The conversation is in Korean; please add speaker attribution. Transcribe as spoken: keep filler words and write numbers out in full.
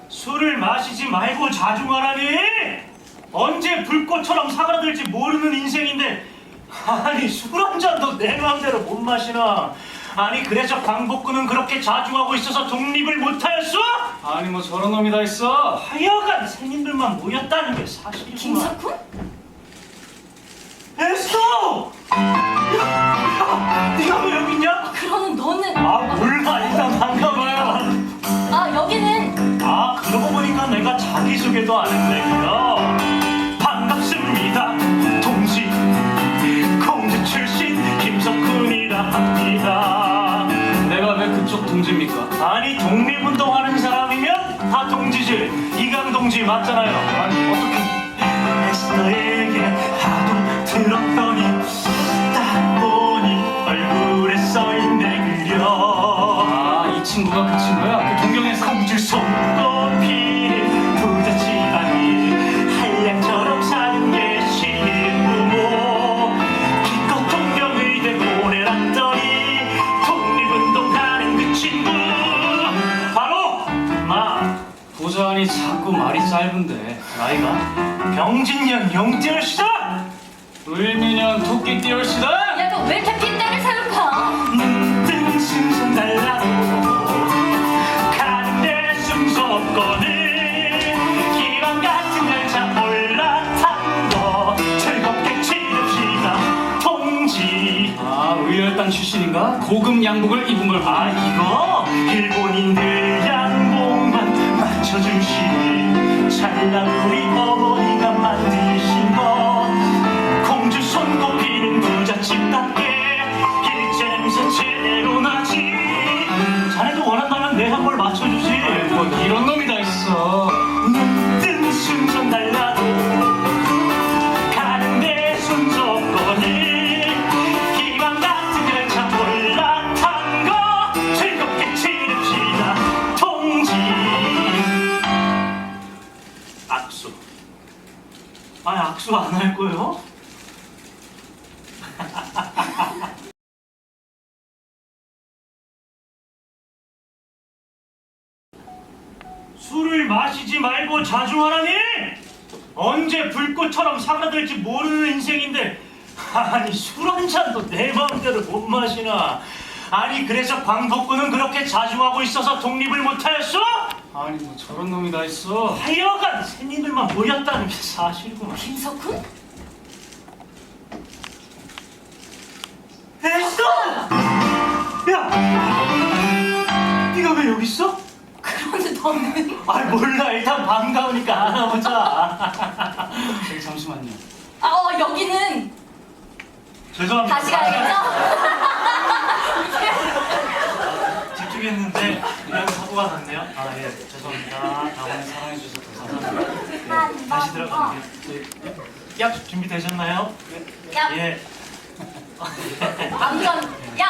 Speaker 1: 술을 마시지 말고 자중하라니! 언제 불꽃처럼 사그라들지 모르는 인생인데 아니 술 한 잔도 내 마음대로 못 마시나? 아니 그래서 광복군은 그렇게 자중하고 있어서 독립을 못하였어?
Speaker 2: 아니 뭐 저런 놈이 다 있어.
Speaker 1: 하여간 생님들만 모였다는 게 사실이구만.
Speaker 3: 김석훈?
Speaker 1: 에스터! 야, 야, 네가 왜 여기 있냐?
Speaker 3: 그러는 너는
Speaker 1: 아 몰라 일단 반가워요.
Speaker 3: 아 여기는
Speaker 1: 아 그러고 보니까 내가 자기소개도 안 했네요. 반갑습니다 동지 공주 출신 김석훈이라 합니다.
Speaker 2: 내가 왜 그쪽 동지입니까?
Speaker 1: 아니 독립운동하는 사람이면 다 동지지. 이강 동지 맞잖아요.
Speaker 2: 아니 어떻게?
Speaker 1: 에스더에게 하도 들었더니 딱 보니 얼굴에 써있네 그려.
Speaker 2: 아 이 친구가 그 친구야? 그 동경에서
Speaker 1: 공주 손꼽히는 부자 집안이 한량처럼 사는 게 신부모. 기껏 동경의대 보내놨더니 독립운동하는 그 친구 바로 나.
Speaker 2: 보자하니 자꾸 말이 짧은데.
Speaker 1: 나이가 병진년 영재열시다.
Speaker 2: 을미년 토끼 띠올시다.
Speaker 3: 야 너 왜 이렇게 핏대를 세우파?
Speaker 1: 눈뜬 승선 달라도 가는데 순서 없거든. 기왕 같은 열차 올라탄 거 즐겁게 치릅시다 동지.
Speaker 2: 아 의열단 출신인가? 고급 양복을 입은 걸 봐.
Speaker 1: 아 이거 일본인들 양복만 맞춰주신 찰나 우리 어머니가 만드신 거. 공주 손꼽히는 부잣집답게 일제 냄새 제대로 나지. 자네도 원한다면 내 한 걸 맞춰주지.
Speaker 2: 뭐 이런 놈이 다 있어.
Speaker 1: 눈뜬 순선 달라도 가는데 순서 없거든. 기왕 같은 열차 올라탄 거 즐겁게 치릅시다 동지. 악수. 아니 악수 안 할 거예요? 술을 마시지 말고 자중하라니! 언제 불꽃처럼 사그라들지 모르는 인생인데 아니 술 한 잔도 내 마음대로 못 마시나? 아니 그래서 광복군은 그렇게 자중하고 있어서 독립을 못하였어?
Speaker 2: 아니 뭐 저런 놈이 다 있어.
Speaker 1: 하여간 새님들만 모였다는 게 사실이구만.
Speaker 3: 김석훈?
Speaker 1: 에스더! 야! 네가 왜 여기 있어?
Speaker 3: 그러는 너는
Speaker 1: 아이 몰라 일단 반가우니까 알아보자.
Speaker 2: 저기 잠시만요.
Speaker 3: 아 어 여기는
Speaker 1: 죄송합니다.
Speaker 3: 다시 가야겠죠?
Speaker 1: 집중했는데 그냥 사고가 났네요. 아 예 죄송합니다.
Speaker 2: 다음에 사랑해 주셔서 감사합니다.
Speaker 1: 예, 다시 들어갈게요. 약 준비되셨나요?
Speaker 3: 야
Speaker 1: 예.
Speaker 3: 아무튼 야